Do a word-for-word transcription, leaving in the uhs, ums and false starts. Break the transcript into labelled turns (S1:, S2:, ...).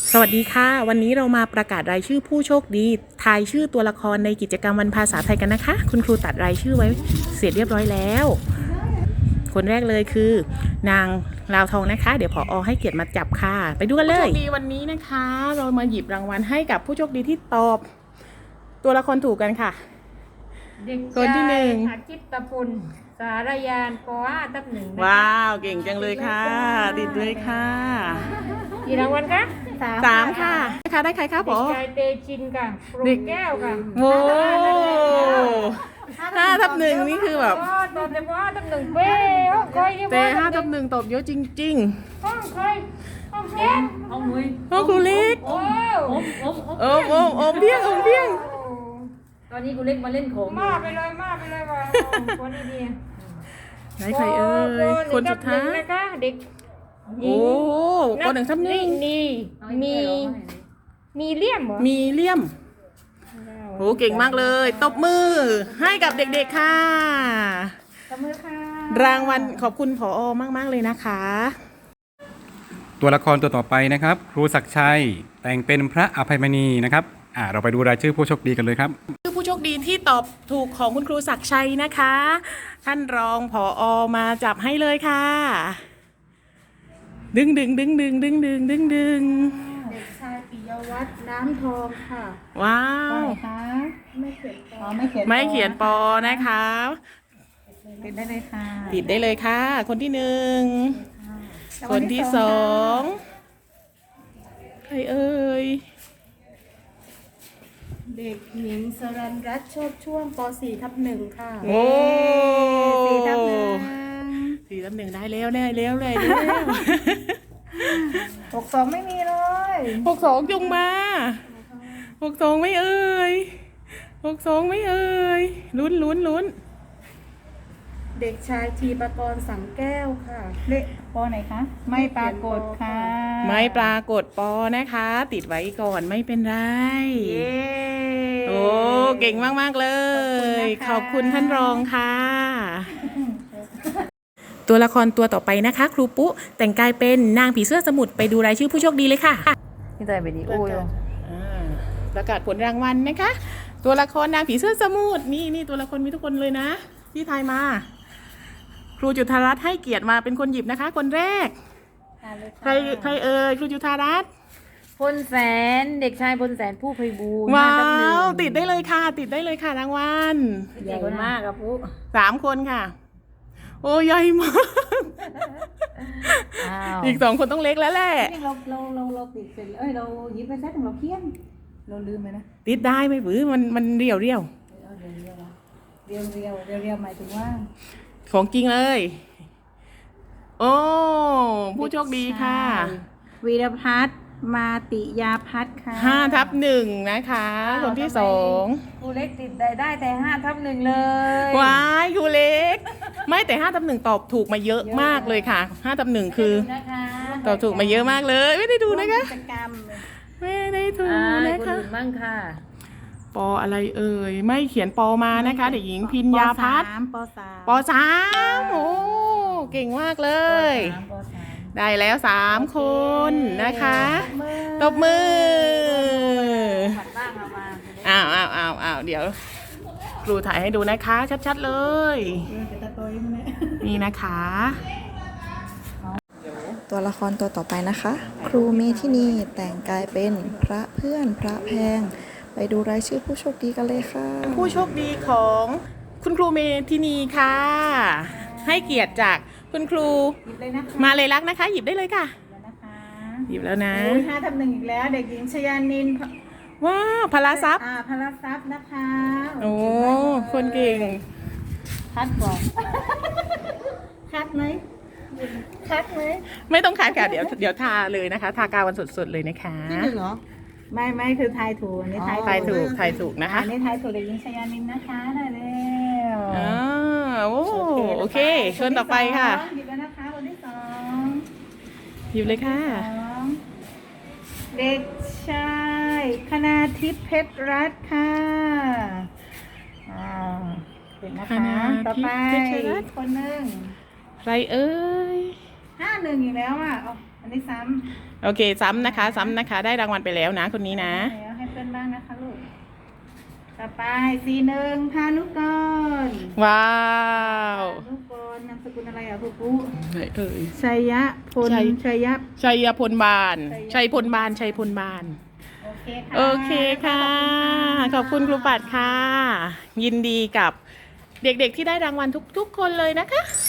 S1: สวัสดีค่ะวันนี้เรามาประกาศรายชื่อผู้โชคดีทายชื่อตัวละครในกิจกรรมวันภาษาไทยกันนะคะคุณครูตัดรายชื่อไว้เสร็จเรียบร้อยแล้วคนแรกเลยคือนางลาวทองนะคะเดี๋ยวผอ.ให้เกียรติมาจับค่ะไปดูกันเลยผู้โชคดีวันนี้นะคะเรามาหยิบรางวัลให้กับผู้โชคดีที่ตอบตัวละครถูกกันค่ะ
S2: เด็ก
S1: คนที่หนึ่ง
S2: อาทิตย์ตะปุนสารยานปห้าทับหนึ่ง
S1: ว้าวเก่งจังเลยค่ะติดด้วยค่ะ
S2: กี่รางวัลคะ
S1: สามค่ะค่ะได้ใครคะผอ.
S2: เด็กชายเตชินค่ะปรุงแก้วค่ะ
S1: โอ้ห้าทับหนึ่งนี่คือแบบ
S2: ตอบแต่ปห้าทับหนึ่งเป้ห้องคอย
S1: แต่ห้าทับหนึ่งตอบเยอะจริง
S2: ๆห้องคอยห้องเล็กห้องมุ้ย
S1: ห้องครูเล็ก
S2: โอ้โอ้
S1: โอ้โอ้โอ้เพียงโอ้เพียง
S2: ตอนนี้ครูเล็กมาเล่นโขงมาไปเลยมาไปเลยว่ะคนนี้ดี
S1: ไหนใครเอ่ยคนสุดท้าย
S2: นะคะเด็ก
S1: โอ้คนหนึ่งทับหนึ่ง
S2: นี่มีมีเลี่ยมเหรอ
S1: มีเลี่ยมโอ้เก่งมากเลยตบมือให้กับเด็กๆค่ะ
S2: ตบมือค่ะ
S1: รางวัลขอบคุณผอ.มากๆเลยนะคะ
S3: ตัวละครตัวต่อไปนะครับครูศักดิ์ชัยแต่งเป็นพระอภัยมณีนะครับอ่าเราไปดูรายชื่อผู้โชคดีกันเลยครับ
S1: ชื่อผู้โชคดีที่ตอบถูกของคุณครูศักดิ์ชัยนะคะท่านรองผอ.มาจับให้เลยค่ะดึงดึงดึงดึงดึงดึงดึงดึง
S2: เด็กชายปิยวัฒน์น้ำทองค่ะ
S1: ว้าว
S2: ไม่เขียนปอไม่เขียน
S1: ไม่เขียนปอนะคะ
S2: ติดได้เลยค่ะ
S1: ติดได้เลยค่ะคนที่หนึ่งคนที่สองใครเอ่ย
S2: เด็กหญิงสรัญรัตน์โชติช่วงป สี่ทับหนึ่งค่ะ
S1: โอ้
S2: สี่ทับหนึ่ง
S1: สี่ทับหนึ่งได้แล้วได้แล้วได้แล้ว
S2: หกสองไม่มีเลย
S1: หกสองจงมาหกสองไม่เอ่ยหกสองไม่เอ่ยลุ้นลุ้นลุ้น
S2: เด็กชายทีปกรณ์สังแก้วค่ะเลขปอไหนคะไม่ปรากฏค่ะ
S1: ไม่ปรากฏปอนะคะติดไว้ก่อนไม่เป็นไรโอ้เก่งมากๆเลยขอบคุณท่านรองค่ะตัวละครตัวต่อไปนะคะครูปุ๊แต่งกายเป็นนางผีเสื้อสมุทรไปดูรายชื่อผู้โชคดีเลยค่ะ
S2: นี่ใจวิดีโออยู่
S1: ประกาศผลรางวัลนะคะตัวละครนางผีเสื้อสมุทรนี่นี่ตัวละครมีทุกคนเลยนะที่ทายมาครูจุฑารัตน์ให้เกียรติมาเป็นคนหยิบนะคะคนแรกใครใครเอ่ยครูจุฑารัตน์
S2: พลแสนเด็กชายพลแสนผู้ไพบูลย์
S1: ว้าวติดได้เลยค่ะติดได้เลยค่ะรางวัล
S2: ใหญ่มากครับผู้
S1: สามคนค่ะโอ้ใหญ่มากอีกสองคนต้องเล็กแล้วแหละ
S2: เราเราเราเราติดเสร็จเอ้ยเราหยิบไปแซะของเราเคี้ยนเราลืมไปนะ
S1: ติดได้ไหมปื้อมันมันเรียวเรียว
S2: เรียวเรียวเรียวเรียวหมายถึงว่า
S1: ของจริงเลยโอ้ผู้โชคดีค่ะ
S2: วีรพัฒน์มาติยาพัฒน์ค่ะ
S1: ห้าทับหนึ่งนะคะคนที่สอง
S2: ครูเล็กติดได้ได้แต่ห้าทับหนึ่งเลย
S1: ว้ายครูเล็กไม่แต่ห้าทับหนึ่งตอบถูกมาเยอะมากเลยค่ะห้าทับหนึ่งคือตอบถูกมาเยอะมากเลยไม่ได้ดูนะคะไม่ได้ดูนะคะ
S2: คนอื่นบ้างค่ะ
S1: ปออะไรเอ่ยไม่เขียนปอมานะคะเด็กหญิงพิญญาพัฒน์
S2: ปสาม
S1: ปสามโอ้เก่งมากเลยได้แล้วสามคนนะคะตบมืออ้าวอ้าวอ้าวอ้าวเดี๋ยวครูถ่ายให้ดูนะคะชัดๆเลยนี่นะคะ
S4: ตัวละครตัวต่อไปนะคะครูเมธินีแต่งกายเป็นพระเพื่อนพระแพงไปดูรายชื่อผู้โชคดีกันเลยค่ะ
S1: ผู้โชคดีของคุณครูเมธินีค่ะให้เกียรติจากคุณครูมาเลยรักนะคะหยิบได้เลยค่ะหยิบแล้วนะ
S2: ห้าทับหนึ่งอีกแล้วเด็กหญิงชยานิน
S1: ว้าวพลาซับ
S2: อ่าพลาซับนะคะ
S1: โอ้คนเก่ง
S2: คัดก่อนคัดไหมคัดไหม
S1: ไม่ต้องคัดค่ะเดี๋ยวเดี๋ยวทาเลยนะคะทากาววันสดๆเลยนะคะ
S2: ที่หนึ่งเหรอไม่ไม่คือทายถูกนี่ทาย
S1: ทายถูกทายถูกนะคะ
S2: นี่ทายถูกเด็กหญิงชยานินนะคะได้แล้ว
S1: อ๋อโอ้โอเคชวนต่อไปค่ะ
S2: หยิบแล้วนะคะคนที่สอง
S1: หยิบเลยค่ะ
S2: เด็กชายคณาทิพย์เพชรรัตน์ค่ะอ่าเด็กนะคะต่อไปคนหนึ่ง
S1: ใครเอ่ย
S2: ห้าหนึ่งอีกแล้วอ่ะอันนนี้ซ้
S1: โอเคซ้ำนะคะซ้ำนะคะ ได้รางวัลไปแล้วนะคนนี้
S2: ำ
S1: นะ
S2: แล้วให้เพื่อนบ้างนะคะลูก ต่อไปสีหนึ่งพานุกร
S1: ว้าว
S2: พานุกรนามสกุลอะไรอ่ะปุ๊ปุ๊
S1: ไหนเอ่ย
S2: ชัยยะพล
S1: ชัย
S2: ชัยยะ
S1: ชัยพลบาน
S2: ชั
S1: ชั
S2: ย
S1: ย
S2: พ
S1: พ
S2: ล
S1: ล
S2: บา
S1: บาน นชัยพลบาน
S2: โอเคค่ะ
S1: โอเคค่ะ ขอบคุณครูปัดค่ะ ยินดีกับเด็กๆที่ได้รางวัลทุกๆคนเลยนะคะ